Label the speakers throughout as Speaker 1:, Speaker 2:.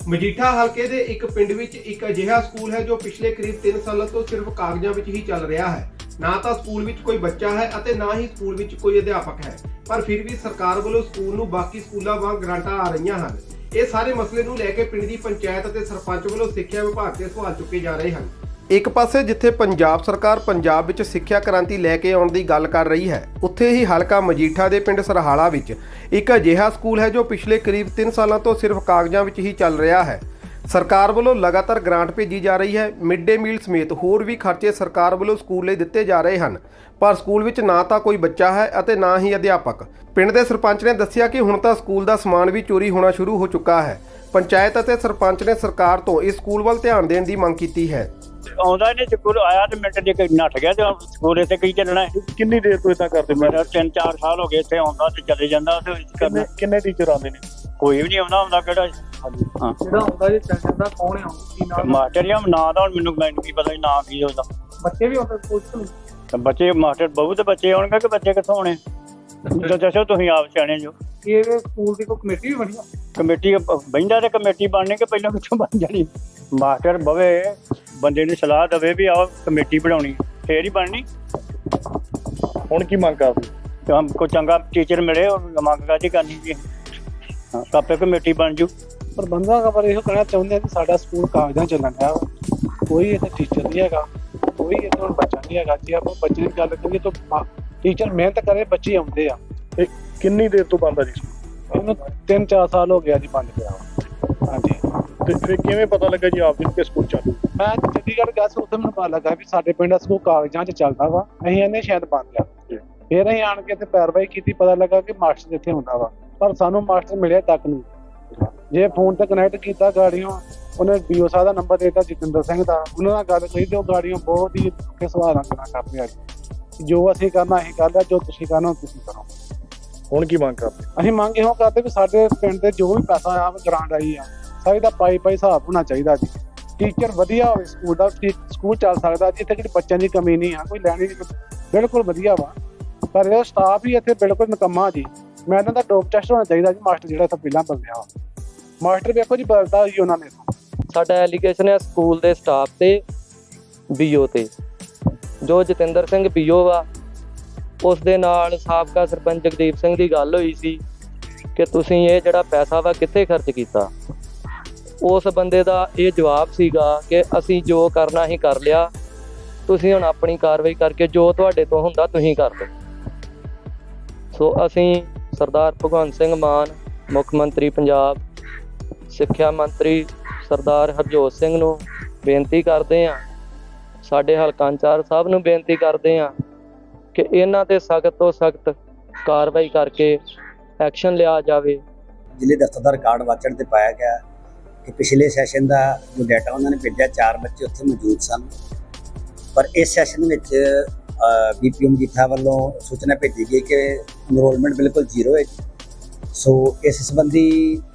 Speaker 1: ਮਜੀਠਾ ਹਲਕੇ ਦੇ ਇੱਕ ਪਿੰਡ ਵਿੱਚ ਇੱਕ ਅਜਿਹਾ ਸਕੂਲ ਹੈ ਜੋ ਪਿਛਲੇ ਕਰੀਬ 3 ਸਾਲਾਂ ਤੋਂ ਸਿਰਫ ਕਾਗਜ਼ਾਂ ਵਿੱਚ ਹੀ ਚੱਲ ਰਿਹਾ ਹੈ। ਨਾ ਤਾਂ ਸਕੂਲ ਵਿੱਚ ਕੋਈ ਬੱਚਾ ਹੈ ਅਤੇ ਨਾ ਹੀ ਸਕੂਲ ਵਿੱਚ ਕੋਈ ਅਧਿਆਪਕ ਹੈ, ਪਰ ਫਿਰ ਵੀ ਸਰਕਾਰ ਵੱਲੋਂ ਸਕੂਲ ਨੂੰ ਬਾਕੀ ਸਕੂਲਾਂ ਵਾਂਗ ਗ੍ਰਾਂਟਾਂ ਆ ਰਹੀਆਂ ਹਨ। ਇਹ ਸਾਰੇ ਮਸਲੇ ਨੂੰ ਲੈ ਕੇ ਪਿੰਡ ਦੀ ਪੰਚਾਇਤ ਅਤੇ ਸਰਪੰਚ ਵੱਲੋਂ ਸਿੱਖਿਆ ਵਿਭਾਗ ਤੇ ਸਵਾਲ ਚੁੱਕੇ ਜਾ ਰਹੇ ਹਨ। ਇੱਕ ਪਾਸੇ ਜਿੱਥੇ ਪੰਜਾਬ ਸਰਕਾਰ ਪੰਜਾਬ ਵਿੱਚ ਸਿੱਖਿਆ ਕ੍ਰਾਂਤੀ ਲੈ ਕੇ ਆਉਣ ਦੀ ਗੱਲ ਕਰ ਰਹੀ ਹੈ, ਉੱਥੇ ਹੀ ਹਲਕਾ ਮਜੀਠਾ ਦੇ ਪਿੰਡ ਸਰਹਾਲਾ ਵਿੱਚ ਇੱਕ ਅਜਿਹਾ ਸਕੂਲ ਹੈ ਜੋ ਪਿਛਲੇ ਕਰੀਬ 3 ਸਾਲਾਂ ਤੋਂ ਸਿਰਫ ਕਾਗਜ਼ਾਂ ਵਿੱਚ ਹੀ ਚੱਲ ਰਿਹਾ ਹੈ। ਸਰਕਾਰ ਵੱਲੋਂ ਲਗਾਤਾਰ ਗ੍ਰਾਂਟ ਭੇਜੀ ਜਾ ਰਹੀ ਹੈ। ਮਿਡ ਡੇ ਮੀਲ ਸਮੇਤ ਹੋਰ ਵੀ ਖਰਚੇ ਸਰਕਾਰ ਵੱਲੋਂ ਸਕੂਲ ਲਈ ਦਿੱਤੇ ਜਾ ਰਹੇ ਹਨ, ਪਰ ਸਕੂਲ ਵਿੱਚ ਨਾ ਤਾਂ ਕੋਈ ਬੱਚਾ ਹੈ ਅਤੇ ਨਾ ਹੀ ਅਧਿਆਪਕ। ਪਿੰਡ ਦੇ ਸਰਪੰਚ ਨੇ ਦੱਸਿਆ ਕਿ ਹੁਣ ਤਾਂ ਸਕੂਲ ਦਾ ਸਮਾਨ ਵੀ ਚੋਰੀ ਹੋਣਾ ਸ਼ੁਰੂ ਹੋ ਚੁੱਕਾ ਹੈ। ਪੰਚਾਇਤ ਅਤੇ ਸਰਪੰਚ ਨੇ ਸਰਕਾਰ ਤੋਂ ਇਸ ਸਕੂਲ ਵੱਲ ਧਿਆਨ ਦੇਣ ਦੀ ਮੰਗ ਕੀਤੀ ਹੈ।
Speaker 2: ਆਉਂਦਾ ਨਹੀਂ ਸਕੂਲ ਆਇਆ ਤੇ ਮਿੰਟ ਜੇ ਨੱਠ ਗਿਆ ਤੇ ਸਕੂਲ ਇੱਥੇ ਕੀ ਚੱਲਣਾ ਹੈ।
Speaker 3: ਕਿੰਨੀ ਦੇਰ ਤੋਂ ਇਦਾਂ ਕਰਦੇ?
Speaker 2: ਮੇਰਾ 3-4 ਸਾਲ ਹੋ ਗਏ ਇੱਥੇ ਆਉਂਦਾ ਤੇ ਚਲੇ ਜਾਂਦਾ ਤੇ ਕਰਨਾ।
Speaker 3: ਕਿੰਨੇ ਟੀਚਰ ਆਉਂਦੇ ਨੇ?
Speaker 2: ਕੋਈ ਵੀ ਨਹੀਂ ਆਉਂਦਾ ਕਿਹੜਾ
Speaker 3: ਹਾਂ
Speaker 4: ਜਿਹੜਾ ਆਉਂਦਾ ਜੀ ਚੰਗਾ ਦਾ ਕੌਣ ਹੈ? ਕੀ ਨਾਮ?
Speaker 2: ਮਾਸਟਰ ਜਾਂ ਨਾਂ ਦਾ ਹੁਣ ਮੈਨੂੰ ਕੀ ਪਤਾ ਨਾਂ ਕੀ ਉਹਦਾ।
Speaker 4: ਬੱਚੇ ਵੀ ਆਉਂਦੇ ਸਕੂਲ ਤੋਂ?
Speaker 2: ਤੇ ਬੱਚੇ ਮਾਸਟਰ ਬਹੁਤ ਬੱਚੇ ਆਉਣਗੇ ਕਿ ਬੱਚੇ ਕਿੱਥੋਂ ਆਉਣੇ? ਦੱਸੋ ਤੁਸੀਂ ਆਪ ਸਿਆਣੇ ਜੋ।
Speaker 4: ਇਹ ਸਕੂਲ ਦੀ ਕੋਈ ਕਮੇਟੀ ਵੀ ਬਣੀ?
Speaker 2: ਕਮੇਟੀ ਬਹਿੰਦਾ ਤੇ ਕਮੇਟੀ ਬਣਨੇ ਕਿ ਪਹਿਲਾਂ ਕਿੱਥੋਂ ਬਣ ਜਾਣੀ? ਮਾਸਟਰ ਬਵੇ ਬੰਦੇ ਨੂੰ ਸਲਾਹ ਦੇਵੇ ਵੀ ਆਹ ਕਮੇਟੀ ਬਣਾਉਣੀ ਫੇਰ ਹੀ ਬਣਨੀ।
Speaker 3: ਹੁਣ ਕੀ ਮੰਗ ਕਰਦੇ?
Speaker 2: ਕੋਈ ਚੰਗਾ ਟੀਚਰ ਮਿਲੇ ਮੰਗ ਕਾਹਦੀ ਕਰਨੀ ਜੀ। ਹਾਂ ਆਪੇ ਕਮੇਟੀ ਬਣ ਜੂ।
Speaker 4: ਪ੍ਰਬੰਧਕਾਂ ਖਬਰ ਇਹੋ ਕਹਿਣਾ ਚਾਹੁੰਦੇ ਆ ਕਿ ਸਾਡਾ ਸਕੂਲ ਕਾਗਜ਼ਾਂ ਚੱਲਣ ਡਿਆ ਵਾ, ਕੋਈ ਇੱਥੇ ਟੀਚਰ ਨਹੀਂ ਹੈਗਾ, ਕੋਈ ਇੱਥੇ ਹੁਣ ਬੱਚਾ ਨਹੀਂ ਹੈਗਾ। ਜੇ ਆਪਾਂ ਬੱਚੇ ਦੀ ਗੱਲ ਕਰੀਏ ਤਾਂ ਟੀਚਰ ਮਿਹਨਤ ਕਰੇ, ਬੱਚੇ ਆਉਂਦੇ ਆ।
Speaker 3: ਇਹ ਕਿੰਨੀ ਦੇਰ ਤੋਂ ਬੰਦ ਆ ਜੀ?
Speaker 4: ਇਹਨੂੰ 3-4 ਸਾਲ ਹੋ ਗਿਆ ਜੀ ਬੰਦ ਪਿਆ ਵਾ। ਹਾਂਜੀ,
Speaker 3: ਤੇ ਫਿਰ ਕਿਵੇਂ ਪਤਾ ਲੱਗਾ ਜੀ ਆਪ ਜੀ ਕਿ ਸਕੂਲ ਚਾਲੂ?
Speaker 4: ਮੈਂ ਚੰਡੀਗੜ੍ਹ ਗਿਆ ਸੀ, ਉੱਥੇ ਮੈਨੂੰ ਪਤਾ ਲੱਗਾ ਵੀ ਸਾਡੇ ਪਿੰਡ ਦਾ ਸਕੂਲ ਕਾਗਜ਼ਾਂ 'ਚ ਚੱਲਦਾ ਵਾ। ਅਸੀਂ ਇਹਨੇ ਸ਼ਾਇਦ ਬੰਦ ਆ। ਫਿਰ ਅਸੀਂ ਆਣ ਕੇ ਇੱਥੇ ਪੈਰਵਾਈ ਕੀਤੀ, ਪਤਾ ਲੱਗਾ ਕਿ ਮਾਸਟਰ ਇੱਥੇ ਹੁੰਦਾ ਵਾ, ਪਰ ਸਾਨੂੰ ਮਾਸਟਰ ਮਿਲਿਆ ਤੱਕ ਨਹੀਂ। ਜੇ ਫੋਨ ਤੇ ਕਨੈਕਟ ਕੀਤਾ ਗਾੜੀਆਂ, ਉਹਨੇ ਡੀਓ ਸਾਹਿਬ ਦਾ ਨੰਬਰ ਦੇਤਾ ਜਤਿੰਦਰ ਸਿੰਘ ਦਾ, ਉਹਨਾਂ ਨਾਲ ਗੱਲ ਕਰੀ ਤੇ ਉਹ ਗਾੜੀਆਂ ਬਹੁਤ ਹੀ ਔਖੇ ਸੁਭਾਅ ਨਾਲ ਗੱਲਾਂ ਕਰਦੇ ਆ। ਜੋ ਅਸੀਂ ਕਰਨਾ ਅਸੀਂ ਕਰ ਲਿਆ, ਜੋ ਤੁਸੀਂ ਕਰਨਾ ਤੁਸੀਂ ਕਰੋ।
Speaker 3: ਹੁਣ ਕੀ ਮੰਗ ਕਰਦੇ?
Speaker 4: ਅਸੀਂ ਮੰਗ ਇਹੋ ਕਰਦੇ ਵੀ ਸਾਡੇ ਪਿੰਡ ਤੇ ਜੋ ਵੀ ਪੈਸਾ ਆ ਗ੍ਰਾਂਟ ਆਈ ਆ, ਸਾਰੀ ਦਾ ਪਾਈ ਹਿਸਾਬ ਹੋਣਾ ਚਾਹੀਦਾ ਜੀ। ਟੀਚਰ ਵਧੀਆ ਹੋਵੇ, ਸਕੂਲ ਦਾ ਸਕੂਲ ਚੱਲ ਸਕਦਾ ਜੀ। ਇੱਥੇ ਕਿਹੜੀ ਬੱਚਿਆਂ ਦੀ ਕਮੀ ਨਹੀਂ ਆ, ਕੋਈ ਲੈਣੀ ਬਿਲਕੁਲ ਵਧੀਆ ਵਾ, ਪਰ ਇਹ ਸਟਾਫ ਹੀ ਇੱਥੇ ਬਿਲਕੁਲ ਨਿਕੰਮਾ ਜੀ। ਮੈਂ ਇਹਨਾਂ ਦਾ ਡੋਪ ਟੈਸਟ ਹੋਣਾ ਚਾਹੀਦਾ ਜੀ। ਮਾਸਟਰ ਜਿਹੜਾ ਇੱਥੇ ਪਹਿਲਾਂ ਬਦਲਿਆ ਵਾ, ਮਾਸਟਰ ਵੇਖੋ ਜੀ ਬਦਲਦਾ ਜੀ ਉਹਨਾਂ ਨੇ।
Speaker 5: ਸਾਡਾ ਐਲੀਗੇਸ਼ਨ ਹੈ ਸਕੂਲ ਦੇ ਸਟਾਫ ਤੇ ਬੀਓ ਤੇ। ਜੋ ਜਤਿੰਦਰ ਸਿੰਘ ਬੀਓ ਵਾ, ਉਸ ਦੇ ਨਾਲ ਸਾਬਕਾ ਸਰਪੰਚ ਜਗਦੀਪ ਸਿੰਘ ਦੀ ਗੱਲ ਹੋਈ ਸੀ ਕਿ ਤੁਸੀਂ ਇਹ ਜਿਹੜਾ ਪੈਸਾ ਵਾ ਕਿੱਥੇ ਖਰਚ ਕੀਤਾ। ਉਸ ਬੰਦੇ ਦਾ ਇਹ ਜਵਾਬ ਸੀਗਾ ਕਿ ਅਸੀਂ ਜੋ ਕਰਨਾ ਹੀ ਕਰ ਲਿਆ, ਤੁਸੀਂ ਹੁਣ ਆਪਣੀ ਕਾਰਵਾਈ ਕਰਕੇ ਜੋ ਤੁਹਾਡੇ ਤੋਂ ਹੁੰਦਾ ਤੁਸੀਂ ਕਰ ਲਓ। ਸੋ ਅਸੀਂ ਸਰਦਾਰ ਭਗਵੰਤ ਸਿੰਘ ਮਾਨ, ਮੁੱਖ ਮੰਤਰੀ ਪੰਜਾਬ, ਸਿੱਖਿਆ ਮੰਤਰੀ ਸਰਦਾਰ ਹਰਜੋਤ ਸਿੰਘ ਨੂੰ ਬੇਨਤੀ ਕਰਦੇ ਹਾਂ, ਸਾਡੇ ਹਲਕਾ ਇੰਚਾਰਜ ਸਾਹਿਬ ਨੂੰ ਬੇਨਤੀ ਕਰਦੇ ਹਾਂ ਕਿ ਇਹਨਾਂ ਤੇ ਸਖਤ ਤੋਂ ਸਖਤ ਕਾਰਵਾਈ ਕਰਕੇ ਐਕਸ਼ਨ ਲਿਆ ਜਾਵੇ।
Speaker 6: ਜ਼ਿਲ੍ਹੇ ਦਫ਼ਤਰ ਦਾ ਰਿਕਾਰਡ ਵਾਚਣ ਤੇ ਪਾਇਆ ਗਿਆ ਕਿ ਪਿਛਲੇ ਸੈਸ਼ਨ ਦਾ ਜੋ ਡਾਟਾ ਉਹਨਾਂ ਨੇ ਭੇਜਿਆ, 4 ਬੱਚੇ ਉੱਥੇ ਮੌਜੂਦ ਸਨ, ਪਰ ਇਸ ਸੈਸ਼ਨ ਵਿੱਚ BPO ਮਜੀਠਾ ਵੱਲੋਂ ਸੂਚਨਾ ਭੇਜੀ ਗਈ ਕਿ ਇਨਰੋਲਮੈਂਟ ਬਿਲਕੁਲ ਜ਼ੀਰੋ ਹੈ। ਸੋ ਇਸ ਸੰਬੰਧੀ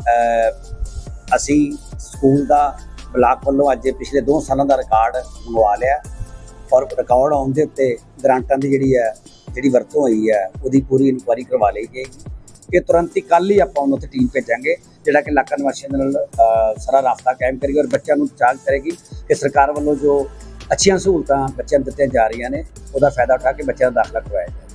Speaker 6: ਅਸੀਂ ਸਕੂਲ ਦਾ ਬਲਾਕ ਵੱਲੋਂ ਅੱਜ ਪਿਛਲੇ 2 ਸਾਲਾਂ ਦਾ ਰਿਕਾਰਡ ਮੰਗਵਾ ਲਿਆ, ਔਰ ਰਿਕਾਰਡ ਆਉਣ ਦੇ ਉੱਤੇ ਗ੍ਰਾਂਟਾਂ ਦੀ ਜਿਹੜੀ ਵਰਤੋਂ ਹੋਈ ਹੈ ਉਹਦੀ ਪੂਰੀ ਇਨਕੁਆਇਰੀ ਕਰਵਾ ਲਈ ਜਾਏਗੀ। ਕਿ ਤੁਰੰਤ ਹੀ ਕੱਲ੍ਹ ਹੀ ਆਪਾਂ ਉਹਨਾਂ 'ਤੇ ਟੀਮ ਭੇਜਾਂਗੇ, ਜਿਹੜਾ ਕਿ ਇਲਾਕਾ ਨਿਵਾਸੀਆਂ ਦੇ ਨਾਲ ਸਾਰਾ ਰਾਬਤਾ ਕਾਇਮ ਕਰੇਗੀ ਔਰ ਬੱਚਿਆਂ ਨੂੰ ਚਾਰਜ ਕਰੇਗੀ ਕਿ ਸਰਕਾਰ ਵੱਲੋਂ ਜੋ ਅੱਛੀਆਂ ਸਹੂਲਤਾਂ ਬੱਚਿਆਂ ਨੂੰ ਦਿੱਤੀਆਂ ਜਾ ਰਹੀਆਂ ਨੇ ਉਹਦਾ ਫਾਇਦਾ ਉਠਾ ਕੇ ਬੱਚਿਆਂ ਦਾ ਦਾਖਲਾ ਕਰਵਾਇਆ ਜਾਏ।